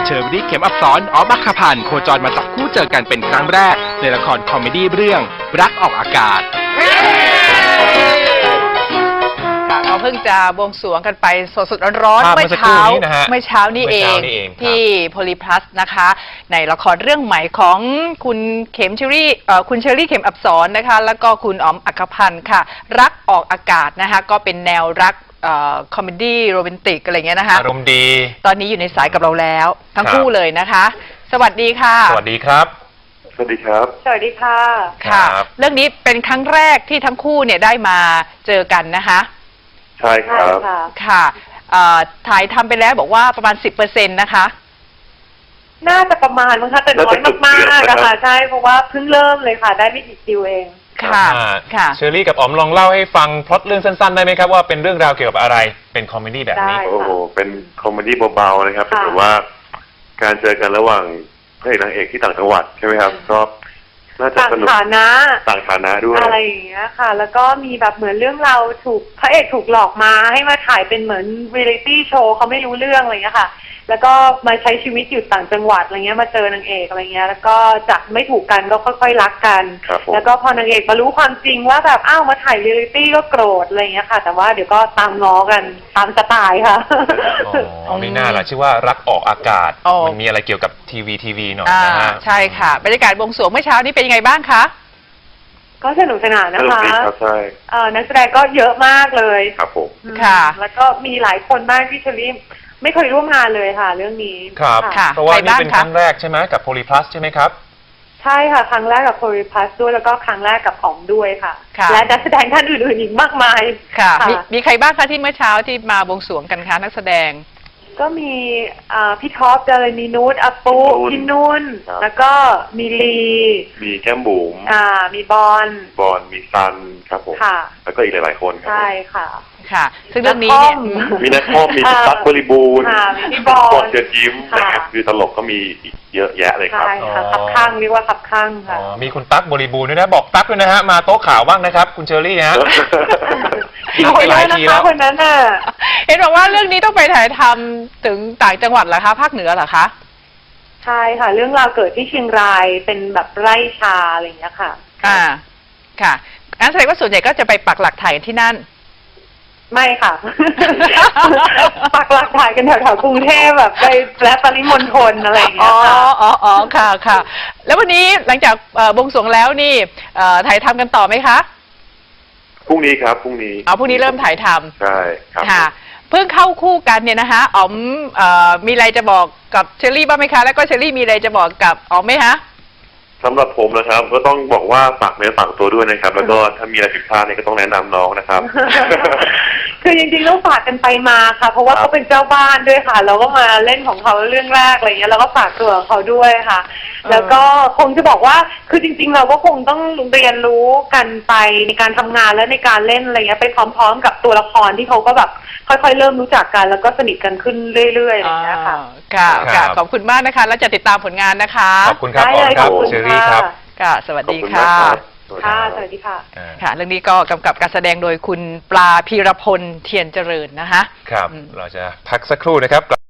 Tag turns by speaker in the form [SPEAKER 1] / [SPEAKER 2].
[SPEAKER 1] ชอรี่เข็มอับสร ออฟ อัคคพันธ์โคจรมาจับคู่เจอกันเป็นครั้งแรกในละครคอมเมดี้เรื่องรักออกอากาศ
[SPEAKER 2] เราเพิ่งจะบวงสรวงกันไปสดๆร้อนๆเมื่อเช้านี่เองที่โพลีพลัสนะคะในละครเรื่องใหม่ของคุณเข็มเชอรี่เข็มอับสรนะคะแล้วก็คุณอ๋อมอัคคพันธ์ค่ะรักออกอากาศนะคะก็เป็นแนวรักคอมเมดี้โรแมนติกอะไรเงี้ยนะคะ
[SPEAKER 3] อารมณ์ดี
[SPEAKER 2] ตอนนี้อยู่ในสายกับเราแล้วทั้งคู่เลยนะคะสวัสดีค่ะ
[SPEAKER 3] สวัสดีครับ
[SPEAKER 4] สวัสดีครับ
[SPEAKER 2] สวัสดีค่ะค่ะเรื่องนี้เป็นครั้งแรกที่ทั้งคู่เนี่ยได้มาเจอกันนะคะ
[SPEAKER 4] ใช่ครับ
[SPEAKER 2] ค่ะถ่ายทำไปแล้วบอกว่าประมาณ 10% นะคะ
[SPEAKER 5] น่าจะประมาณมั้งคะแต่น้อยมากๆนะคะใช่เพราะว่าเพิ่งเริ่มเลยค่ะได้ไม่กี่คิวเอง
[SPEAKER 2] ค่ะ
[SPEAKER 3] เชอรี่กับอ๋อมลองเล่าให้ฟังพล็อตเรื่องสั้นๆได้ไหมครับว่าเป็นเรื่องราวเกี่ยวกับอะไรเป็นคอมเมดี้แบบนี้
[SPEAKER 4] โอ้โหเป็นคอมเมดี้เบาๆนะครับแต่ว่าการเจอกันระหว่างพระเอกนางเอกที่ต่างจังหวัดใช่ไหมครับก็น่าจะสนุกต่างฐานะด้วย
[SPEAKER 5] อะไรอย่างเงี้ยค่ะแล้วก็มีแบบเหมือนเรื่องเราพระเอกถูกหลอกมาให้มาถ่ายเป็นเหมือนเรียลิตี้โชว์เขาไม่รู้เรื่องอะไรเงี้ยค่ะแล้วก็มาใช้ชีวิตอยู่ต่างจังหวัดอะไรเงี้ยมาเจอนางเอกอะไรเงี้ยแล้วก็จากไม่ถูกกันก็ค่อยๆรักกันแล้วก็พอนางเอกมารู้ความจริงว่าแบบอ้าวมาถ่ายเรียลิตี้ก็โกรธอะไรเงี้ยค่ะแต่ว่าเดี๋ยวก็ตามง้อกันตามสไตล์ค่ะ
[SPEAKER 3] อ๋อไม่น่าล่ะชื่อว่ารักออกอากาศมันมีอะไรเกี่ยวกับทีวีหน่อยนะฮะ
[SPEAKER 2] ใช่ค่ะบรรยากาศบวงสรวงเมื่อเช้านี้เป็นยังไงบ้างคะ
[SPEAKER 5] ก็สนุกสนานนะคะ
[SPEAKER 4] ใช่
[SPEAKER 5] นักแสดงก็เยอะมากเลย
[SPEAKER 4] ครับผม
[SPEAKER 2] ค่ะ
[SPEAKER 5] แล้วก็มีหลายคนมากที่เชอรี่ไม่เคยร่วมงานเลยค่ะเรื่องนี้
[SPEAKER 3] ครับเพราะว่านี่เป็นครั้งแรกใช่ไหมกับโพลีพลัสใช่ไหมครับ
[SPEAKER 5] ใช่ค่ะครั้งแรกกับโพลีพลัสด้วยแล้วก็ครั้งแรกกับอ๋อมด้วยค่ะและนักแสดงท่านอื่นๆอีกมากมาย
[SPEAKER 2] ค่ะมีใครบ้างคะที่เมื่อเช้าที่มาบวงสรวงกันคะนักแสดง
[SPEAKER 5] ก็มีพี่ท็อปดารณีนุชอาปุพี่นุ่นแล้วก็มีลี
[SPEAKER 4] มีแก้มบุ๋ม
[SPEAKER 5] มีบอล
[SPEAKER 4] มีซันครับผมแล้วก็อีกหลายๆคนครับ
[SPEAKER 5] ใช่ค่ะ
[SPEAKER 2] ค่ะซึ่งเรื่องนี้เนี่ย
[SPEAKER 4] มีนักข้อมีตั๊กบริบูรณ์
[SPEAKER 5] มีบอล
[SPEAKER 4] เชิญยิ้มนะครับคือตลกก็มีเยอะแยะเลยครับ
[SPEAKER 5] ใช่ค่ะขับข้างเรียกว่าขับข้างค่ะ
[SPEAKER 3] มีคุณตั๊กบริบูรณ์ด้วยนะบอกตั๊กด้วยนะฮะมาโต๊ะข่าวบ้างนะครับคุณเชอรี่ฮะ
[SPEAKER 5] หลายทีแล้วคนนั้นน่ะ
[SPEAKER 2] เห็นบอกว่าเรื่องนี้ต้องไปถ่ายทำถึงต่างจังหวัดเหรอคะภาคเหนือเหรอคะ
[SPEAKER 5] ใช่ค่ะเรื่องราวเกิดที่เชียงรายเป็นแบบไร่ชาอะไรอย่างเงี้ยค่ะ
[SPEAKER 2] ค่ะงั้นแสดงว่าส่วนใหญ่ก็จะไปปักหลักถ่ายที่นั่น
[SPEAKER 5] ไม่ค่ะ ปักหลักถ่ายกันแถวๆกรุงเทพแบบไปและปริมณฑลอะไรอย่างเงี้ยค่ะ
[SPEAKER 2] อ๋อค่ะแล้ววันนี้หลังจากบวงสรวงแล้วนี่ถ่ายทำกันต่อไหมคะ
[SPEAKER 4] พรุ่งนี้ครับพรุ่งนี้
[SPEAKER 2] พรุ่งนี้เริ่มถ่ายทำ
[SPEAKER 4] ใช่ครับ
[SPEAKER 2] ค่ะเพิ่งเข้าคู่กันเนี่ยนะคะอ๋อมมีอะไรจะบอกกับเชอรี่บ้างไหมคะแล้วก็เชอรี่มีอะไรจะบอกกับอ๋อมไหมคะ
[SPEAKER 4] สำหรับผมนะครับก็ต้องบอกว่าฝากเนื้อฝากตัวด้วยนะครับแล้วก็ถ้ามีอะไรผิดพลาดเนี่ยก็ต้องแนะนำน้องนะครับ
[SPEAKER 5] คือจริงๆต้องฝากกันไปมาค่ะเพราะว่าเขาเป็นเจ้าบ้านด้วยค่ะเราก็มาเล่นของเขาเรื่องแรกอะไรเงี้ยเราก็ฝากตัวเขาด้วยค่ะแล้วก็คงจะบอกว่าคือจริงๆเราก็คงต้องเรียนรู้กันไปในการทำงานและในการเล่นอะไรเงี้ยไปพร้อมๆกับตัวละครที่เขาก็แบบค่อยๆเริ่มรู้จักกันแล้วก็สนิทกันขึ้นเรื่อยๆอะไรเงี้ยค่ะ
[SPEAKER 2] ค่ะขอบคุณมากนะคะแล้วจะติดตามผลงานนะคะ
[SPEAKER 3] ขอบคุณครับอ๋อมครับเชอรี่ครับ
[SPEAKER 2] ค่ะสวัสดีค่ะ
[SPEAKER 5] สวัสดีค่ะ
[SPEAKER 2] ค่ะเรื่องนี้ก็กำกับการแสดงโดยคุณปลาพีรพลเทียนเจริญนะคะ
[SPEAKER 3] ครับเราจะพักสักครู่นะครับ